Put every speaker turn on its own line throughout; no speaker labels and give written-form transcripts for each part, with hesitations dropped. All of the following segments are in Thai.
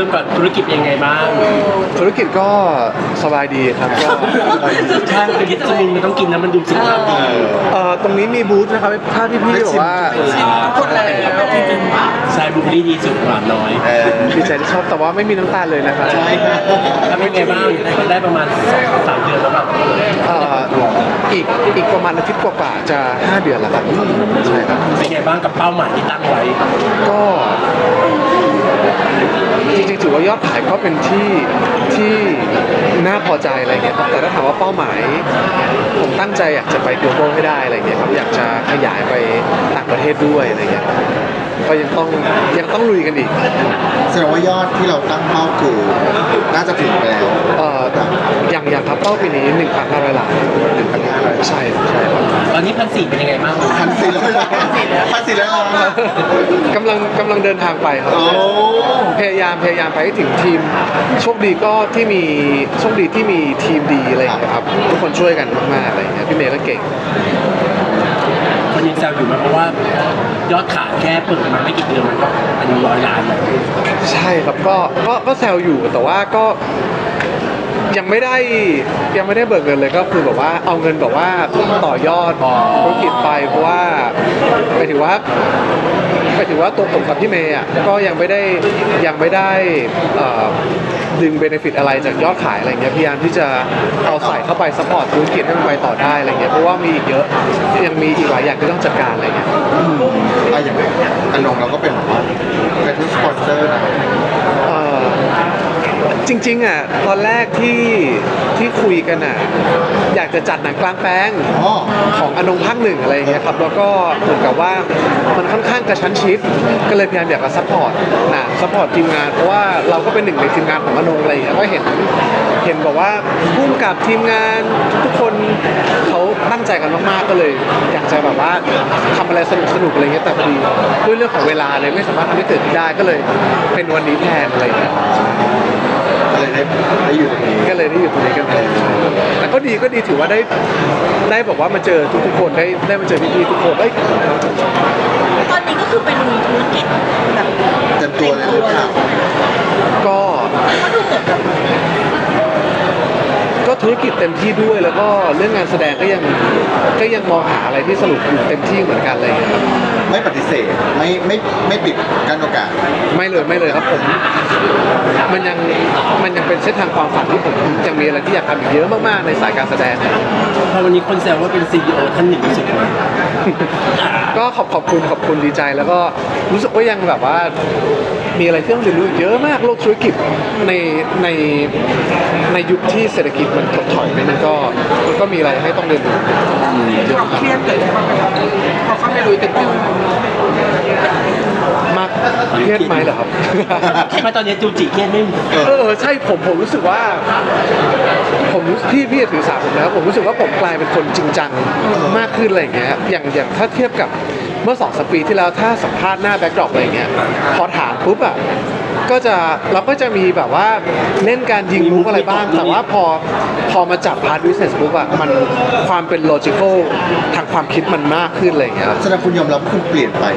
ก่อนธุรกิจเป็นยังไงบ้าง
ธุรกิจก็สบายดีครับก็
ใช่คือวิตามินมันต้องกินนะมันดูสุขภาพดี
ตรงนี้มีบูธนะครับถ้าพี่ๆบอกว่า
คนแล้วจริงๆใช่บูเบอรี่ดีสุดหวานน้อย
ดีใจที่ชอบแต่ว่าไม่มีน้ำตาลเลยนะครับ
ใช่แล้วเป็นไงบ้างได้ประมาณ2-3 เดือนแล้วแบบ
อีกประมาณอาทิตย์กว่าๆจะ5 เดือนแล้วครับใช่ครับ
เป็นไงบ้างกับเป้าหมายที่ตั้งไว้
ก็จริงๆถือว่ายอดขายก็เป็นที่น่าพอใจอะไรเงี้ยครับแต่ถ้าถามว่าเป้าหมาย ผมตั้งใจอยากจะไป global ให้ได้อะไรเงี้ยครับอยากจะขยายไปต่างประเทศด้วยอะไรเงี้ยก็ยังต้องลุยกันอีก
แสดงว่ายอดที่เราตั้งเป้าคือน่าจะถึงไปแล้ว
อย่างครับเป้าปีนี้ 1,500 ล้าน
1,500
ใช่ครับ
ตอนนี้1,400เป็นยังไงบ้าง
1,400 ล้าน
กำลังเดินทางไปครับ
โอ้
พยายามไปให้ถึงทีมโชคดีที่มีทีมดีอะไรอย่างเงี้ยครับทุกคนช่วยกันมากๆอะไรอย่างเงี้ยพี่เมย์ก็เก่ง
คนยังแซวอยู่ไหมเพราะว่ายอดขายแค่เปิดมาไม่กี่เดือนมันก็อายุ100 ล้านแล้ว
ใช่ครับก็แซวอยู่แต่ว่าก็ยังไม่ได้เบิกเงินเลยก็คือแบบว่าเอาเงินแบบว่าต่อยอดธุรกิจไปเพราะว่าหมายถึงว่าตัวผมกับพี่เมย์อ่ะก็ยังไม่ได้ดึงเบเนฟิตอะไรจากยอดขายอะไรเงี้ยพยายามที่จะเอาใส่เข้าไปซัพพอร์ตธุรกิจให้มันไปต่อได้อะไรเงี้ยเพราะว่ามีอีกเยอะยังมีอีกหลายอย่างที่ต้องจัดการอะไรเงี้ย
อย่างอนงเราก็เป็นแบบว่าเป็นสปอนเซอร์นะ
จริงๆอ่ะตอนแรกที่คุยกันอ่ะอยากจะจัดหนังกลางแปลง
อ๋อ
ของอนงภาค 1อะไรอย่างเงี้ยครับแล้วก็เหมือนกับว่ามันค่อนข้างกระชั้นชิดก็เลยพยายามอยากจะซัพพอร์ตทีมงานเพราะว่าเราก็เป็นหนึ่งในทีมงานของอนงอะไรอย่างเงี้ยก็เห็นบอกว่าพุ่มกับทีมงานทุกคนเขาตั้งใจกันมากๆก็เลยอยากจะแบบว่าทำอะไรสนุกๆอะไรเงี้ยแต่พอดีด้วยเรื่องของเวลาเลยไม่สามารถทำให้เกิดขึ้นได้ก็เลยเป็นวันนี้แทนอะไรอย่างเงี้ย
เลยได้อยู่ตรงนี้
ก็เลยได้อยู่ตรงนี้กันเลยแต่ก็ดีถือว่าได้บอกว่ามาเจอทุกคนได้มาเจอพี่ๆทุกคนเอ้ย
ตอนนี้ก็คือเป็นธุรกิจแบบ
เต็มตัวเลยหรือเปล่า
ก็
ก็ดูเหมือนแบบ
ธุรกิจเต็มที่ด้วยแล้วก็เรื่องงานแสดงก็ยังมองหาอะไรที่สนุกอยู่เต็มที่เหมือนกันอะไรอย่างเงี้ยครับ
ไม่ปฏิเสธไม่ปิดกั้นโอกาส
ไม่เลยครับผมมันยังเป็นเส้นทางความฝันที่ผมยังมีอะไรที่อยากทำอีกเยอะมากๆในสายการแสดง
พอวันนี้คนแซวว่าเป็น CEO ท่านหนึ่งรู้สึกไหม
ก็ขอบคุณดีใจแล้วก็รู้สึกว่ายังแบบว่ามีอะไรที่ต้องเรียนรู้อีกเยอะมากโลกธุรกิจในยุคที่เศรษฐกิจมันถดถอยไปมันก็มีอะไรให้ต้องเรียนรู้
ความเครียดเกิดขึ้นบ้างไหมครับพอเข้าไปลุยเต็มที่
มากเครียดไหมเหรอครับ
คิดว่าตอนนี้จูจิเครียดไม่มี
ใช่ผมรู้สึกว่าผมพี่ถือสาผมนะครับผมรู้สึกว่าผมกลายเป็นคนจริงจังมากขึ้นอะไรอย่างเงี้ยอย่างถ้าเทียบกับเมื่อ2-3 ปีที่แล้วถ้าสัมภาษณ์หน้าแบ็คดรอปอะไรอย่างเงี้ยพอถามปุ๊บอ่ะเราก็จะมีแบบว่าเล่นการยิงมุกอะไรบ้างแต่ว่าพอมาจับพาร์ทบิสเนสปุ๊บอ่ะมันความเป็นโลจิคอลทางความคิดมันมากขึ้นอะไรอย่างเงี้ยครับ
แสดงคุณยอมรับคุณเปลี่ยนไป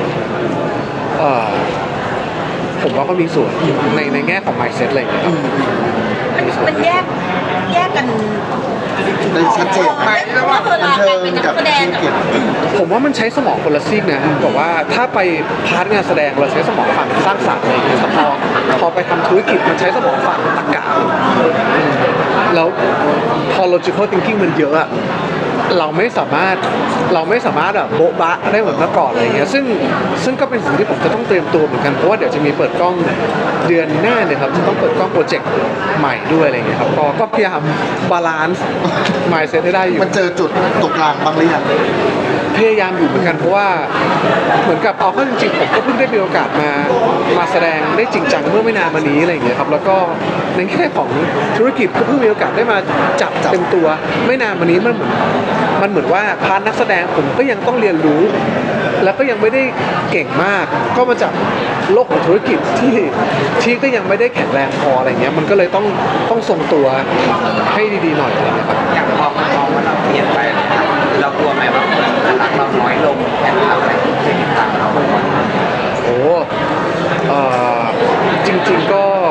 ผมว่าก็มีส่วนในแง่ของ mindset อะไรอย่างเงี้ยครับ
มันแยกกัน
ได้ชัดเจน
ไหมระหว่างบันเทิงกับ
ธุ
แสดง
รกิจ
ผมว่ามันใช้สมองคนละซีกนะบอกว่าถ้าไปพาร์ทงานแสดงเราใช้สมองฝั่งสร้างสรรค์อะไรอย่างเงี้ยแต่พอไปทำธุรกิจมันใช้สมองฝั่งตรรกะแล้วพอ logical thinking มันเยอะอะเราไม่สามารถแบบโบ๊ะบะได้เหมือนเมื่อก่อนอะไรอย่างเงี้ยซึ่งก็เป็นสิ่งที่ผมจะต้องเตรียมตัวเหมือนกันเพราะว่าเดี๋ยวจะมีเปิดกล้องเดือนหน้าเนี่ยครับจะต้องเปิดกล้องโปรเจกต์ใหม่ด้วยอะไรอย่างเงี้ยครับก็พยายามบาลานซ์ mindset ให้ได้อยู่
มันเจอจุดตรงกลางบ้างหรือยัง
พยายามอยู่เหมือนกันเพราะว่าเหมือนกับเอาเข้าจริงๆผมก็เพิ่งได้มีโอกาสมาแสดงได้จริงจังเมื่อไม่นานมานี้อะไรอย่างเงี้ยครับแล้วก็ในแง่ของธุรกิจก็เพิ่งมีโอกาสได้มาจับเต็มตัวไม่นานมานี้มันเหมือนว่าพาร์ทนักแสดงผมก็ยังต้องเรียนรู้ แล้วก็ยังไม่ได้เก่งมากก็มาจากโลกของธุรกิจที่ก็ยังไม่ได้แข็งแรงพออะไรเงี้ยมันก็เลยต้องทรงตัวให้ดีๆหน่อยอะไรเงี้ยครับ
อย่างพอมันมองว่าเราเปลี่ยนไปเรากลัวไหมว่าคนจะรักเราน้อยลงแค่ทำอะไรที่จะติดตามเรา
โอ้จริงๆก็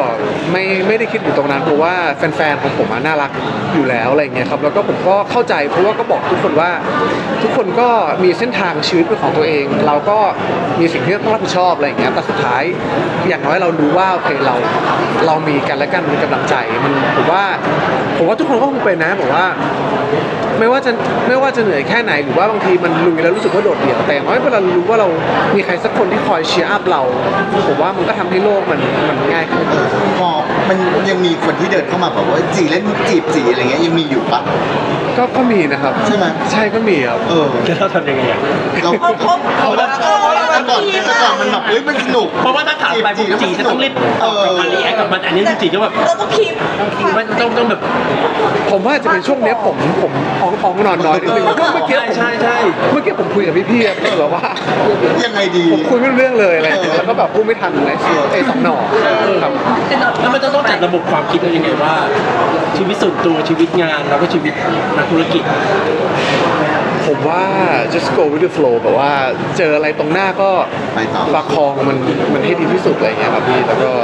ไม่ได้คิดถึงตรงนั้นเพราะว่าแฟนๆของผมอะน่ารักอยู่แล้วอะไรเงี้ยครับแล้วก็ผมก็เข้าใจเพราะว่าก็บอกทุกคนว่าทุกคนก็มีเส้นทางชีวิตเป็นของตัวเอง เราก็มีสิ่งที่ต้องรับผิดชอบอะไรเงี้ยแต่สุดท้ายอย่างน้อยเรารู้ว่าโอเคเรามีกันและกันมีกำลังใจมันผมว่าทุกคนก็คงเป็นนะบอกว่าไม่ว่าจะเหนื่อยแค่ไหนหรือว่าบางทีมันลุยแล้วรู้สึกว่าโดดเดี่ยวแต่อย่างน้อยเวลารู้ว่าเรามีใครสักคนที่คอยเชียร์อัพเราผมว่ามันก็ทำให้โลกมันง่ายขึ้น
พอมันยังมีคนที่เดินเข้ามาแบบว่าจีเล่นจีบจีอะไรเงี้ยยังมีอยู่ปะ
ก็มีนะครับ
ใช่ไหม
ใช่ก็มีครับ
จะเราทำยังไงอ่ะ
เรา
เขา
แต่ก่อนมันแบบเฮ้ยมันสนุก
เพราะว่าถ้าถามไปปุ๊บจีจะต้องรีบตอบกลับมารีแอคกับมันอันนี้จีก็แบบ
เราต้องคีบ
มันต้องแบบ
ผมว่าจะเป็นช่วงเนี้ยผมอ่องนอนน้อยนิดนึงเมื่อกี้
ใช่
เมื่อกี้ผมคุยกับพี่ๆอะแบบว่า
ยังไงดี
ผมคุยไม่รู้เรื่องเลยอะไรอย่างเงี้ยแล้วก็แบบพูดไม่ทันเลยไอ้สองหน่อครับ
แล้วมันจะต้องจัดระบบความคิดเรายังไงว่า ชีวิตส่วนตัวชีวิตงานแล้วก็ชีวิตนักธุรกิจ
ผมว่า just go with the flow แบบว่าเจออะไรตรงหน้าก็
ไปต่อ
ประคองมันให้ดีที่สุดอะไรอย่างเงี้ยครับพี่แล้วก็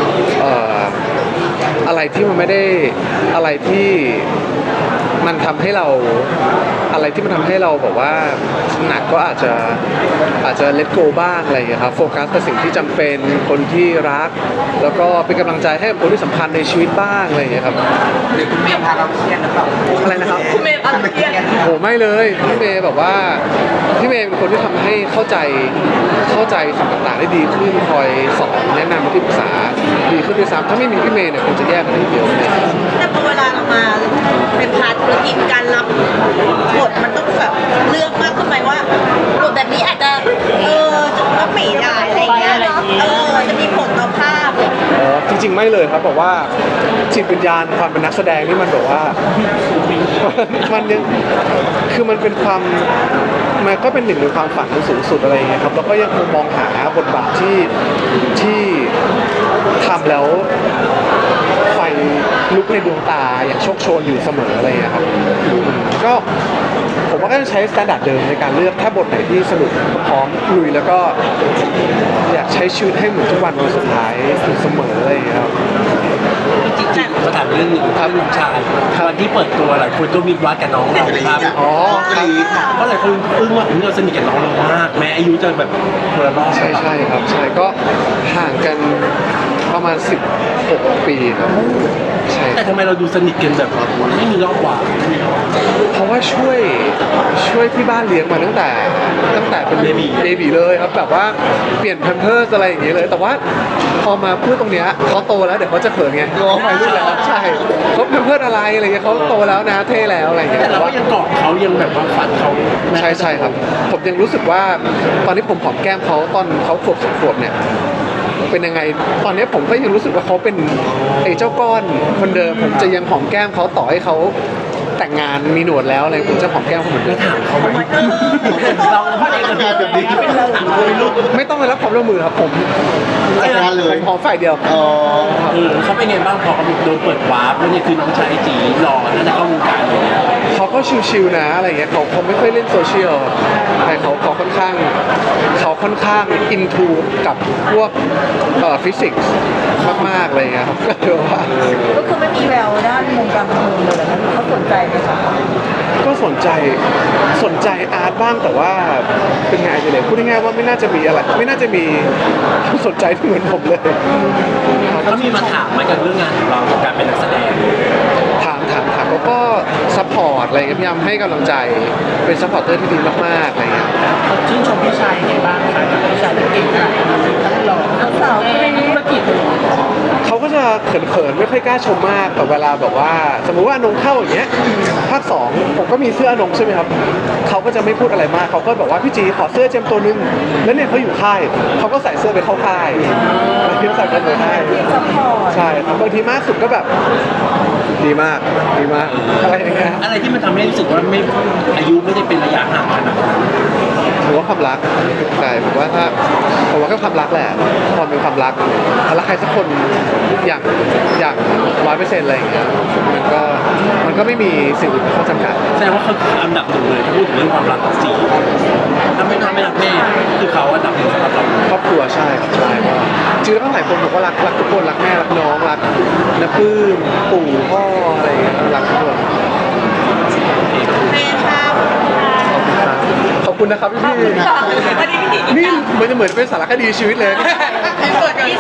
อะไรที่มันไม่ได้อะไรที่มันทำให้เราแบบว่าหนักก็อาจจะ let go บ้างอะไรอย่างเงี้ยครับโฟกัสกับสิ่งที่จำเป็นคนที่รัก แล้วก็เป็นกำลังใจให้กับคนที่สำคัญในชีวิตบ้างอะไรอย่างเงี้ยครับ
หรือคุณเมย์พาเราเครียดหรือเปล่า
อะไรนะครับ
คุณเมย์อะไรเครียด
โหไม่เลยพี่เมย์แบบว่าพี่เมย์เป็นคนที่ทำให้เข้าใจสิ่งต่างๆได้ดีขึ้นคอยสอนแนะนำที่ปรึกษาดีขึ้นด้วยซ้ำถ้าไม่มีพี่เมย์เนี่ยคงจะแย่กันทีเดียวเลย
แต่พอเวลาเรามาเป็นพาร์ทธุรกิจการรับบทมันต้องแบบเลือกมากขึ้นไหมว่าบทแบบนี้อาจจะจะต้องไม่ได้อะไรเงี้ยจะมีผลต่อภาพ
อ๋อจริงๆไม่เลยครับบอกว่าจิตวิญญาณความเป็นนักแสดงนี่มันแบบว่า มันยังคือมันเป็นความมันก็เป็นหนึ่งในความฝันสูงสุดอะไรอย่างเงี้ยครับแล้วก็ยังคงมองหาบทบาทที่ทำแล้วไฟลุกในดวงตาอย่างโชคโชนอยู่เสมออะไรอย่างเงี้ยครับก็ผมว่าก็จะใช้สแตนดาร์ดเดิมในการเลือกถ้าบทไหนที่สนุกก็พร้อมลุยแล้วก็อยากใช้ชีวิตให้เหมือนทุกวันสุดท้ายอยู่เสมออะไรอย่างเงี้ยครับ
จริงๆเขาถามเรื่องหนึ่งครับน้องชายวันที่เปิดตัวหลายคนก็มีวัดกับน้องเราครับ
อ๋อ
กรี๊ด
เพราะหลายคนอึ้งว่าเราสนิทกับน้องเรามากแม้อายุจะแบบคนละรอบ
ใช่ครับใช่ก็ห่างกันประมาณ16 ปีครับใช่
แต่ทำไมเราดูสนิทกันแบบไม่มีรอบกว่า
เพราะว่าช่วยที่บ้านเลี้ยงมาตั้งแต่เป็นเบบีเลยครับแบบว่าเปลี่ยนแพมเพิร์สอะไรอย่างเงี้ยเลย แต่ว่าพอมาพูดตรงเนี้ยเขาโตแล้วเดี๋ยวเขาจะเขินไงเขาไปรุ่นแล้วใช่เขาแพมเพิร์สอะไรอะไรเงี้ยเขาโตแล้วนะเท่แล้วอะไรเงี้ย
แต่เราก็ยังเกาะเขายังแบบว่าฝันเขา
ใช่ครับผมยังรู้สึกว่าตอนนี้ผมหอมแก้มเขาตอนเขาขวบ2 ขวบเนี่ยเป็นยังไงตอนนี้ผมก็ยังรู้สึกว่าเขาเป็นไอ้เจ้าก้อนคนเดิมผมจะยังหอมแก้มเขาต่อให้เขาแต่งงานมีหนวดแล้วอะไรผมจะหอมแก้มเขาเหมือนเดิ
แล้ว
ม
ถามเขาไหมเราพูดเองกับแบบนี้ไม่ได้ถามเลยลูก
ไม่ต้องไปรับความร่วมมือครับผม
จัดการเลย
ผมหอมฝ่ายเดียว
อ๋อ
เขาเป็นไงบ้างพอเขาโดนเปิดวาร์ปแล้วเนี่ยคือน้องชายจีหล่อน่าจะเข้าวงการเลย
เขาก็ชิวๆนะอะไรเงี้ยเขาไม่ค่อยเล่นโซเชียลแต่เขาค่อนข้างอินทูกับพวกฟิสิกส์มากๆอะไรเงี้ยครับก็เลยว่า
ก็คือไม่มีแววด้านวงการบันเทิงเลยนะเขาสนใจไหมคะ
ก็สนใจอาร์ตบ้างแต่ว่าเป็นไงจะเลยพูดง่ายๆว่าไม่น่าจะมีอะไรไม่น่าจะมีสนใจที่เหมือนผมเลย
เขามีมาถามไหมกับเรื่องงานของเราการเป็นนักแสดง
ถามแล้วก็ซัพพอร์ตอะไรเงี้ยพยายามให้กำลังใจเป็นซัพพอร์ตเตอร์ที่ดีมากๆอะไรเงี้ย
ชื่นชมพี่ชายยังไงบ้างคะพี่ชายเก่งขนาดนี้ทั้งหล่อ
สาวๆในธุรกิจ
เขาก็จะเขินๆไม่ค่อยกล้าชมมากแต่เวลาแบบว่าสมมุติว่าอนงเข้าอย่างเงี้ยภาค 2ผมก็มีเสื้ออนงใช่ไหมครับเขาก็จะไม่พูดอะไรมากเขาก็บอกว่าพี่จีขอเสื้อเจมส์ตัวนึงแล้วเนี่ยเขาอยู่ค่ายเขาก็ใส่เสื้อไปเข้าค่ายแล้วที่ใส่กันไปค่าย
ซัพพอร์ต
ใช่ครับบางทีมากสุดก็แบบดีมากอะไรอย่างเงี้ย
อะไรที่มันทำให้รู้สึกว่าไม่อายุไม่ได้เป็นระยะห่างขนาดนั้น
ผมว่าความรักใช่ผมว่าก็ความรักแหละพอมีความรักแล้วใครสักคนอย่าง100%อะไรอย่างเงี้ยมันก็มันก็ไม่มีสิ่งอื่นเป็นข้อจำกัด
แสดงว่าเขาคืออันดับหนึ่งเลยถ้าพูดถึงเรื่องความรักกับจีถ้าไม่รักแม่คือเขาอันดับหนึ่งสำหรับเรา
ครอบครัวใช่ครับใช่ก็จริงๆแล้วก็หลายคนบอกว่ารักทุกคนรักแม่รักน้องรักน้าปื้มปู่พ่ออะไรอย่างเงี้ยรักทุกคน
แม่ครับ
ขอบคุณนะครับพี่
วันนี้พี่
นี่เหมือนเป็นสารคดีชีวิตเลย
พี่เสิร์ฟกัน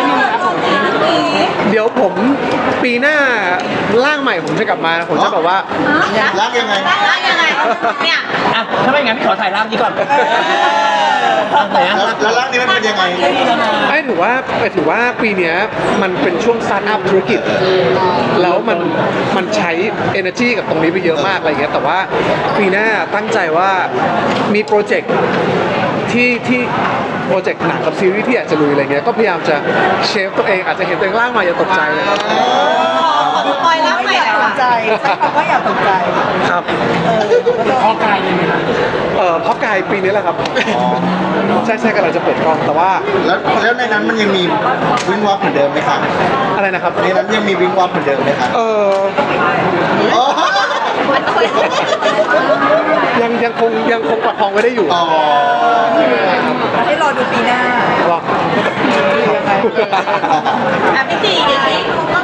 เดี๋ยวผมปีหน้าร่างใหม่ผมจะกลับมาผมจะแบบว่า
รักยังไง
รักยังไงเนี่ย
อ่ะถ้าไม่งั้นพี่ขอถ่ายร่างนี้ก่อนไหนอ่ะ
แล้วร่างนี้มันเป็นยังไง
ไอ้ถือว่าปีเนี้ยมันเป็นช่วงสตาร์ทอัพธุรกิจ แล้วมันใช้ energy กับตรงนี้ไปเยอะมากอะไรเงี้ยแต่ว่าปีหน้าตั้งใจว่ามีโปรเจกต์ที่โปรเจกต์หนังกับซีรีส์ที่อยากจะลุยอะไรเงี้ยก็พยายามจะเชฟตัวเองอาจจะเห็นตัวเองร่างมาอย่าตกใจเลยครับ
ขอคอยรักใหม่แล้ว
ใจใช้คำว่าอย่าตกใจ
ครับ
พ่อกายเลยไหมครับ
เพราะกายปีนี้แหละครับใช่กำลังจะเปิดกล้องแต่ว่า
แล้วในนั้นมันยังมีวิงวับเหมือนเดิมไหมคะ
อะไรนะครับ
ในนั้นยังมีวิงวับเหมือนเดิมไหมคะ อ๋อ
ยังคงประคองไว้ได้อยู่
อ๋อ
ให้รอดูปีหน้า
ลอง
ยังไง
พี่จีอย่างนี้ก็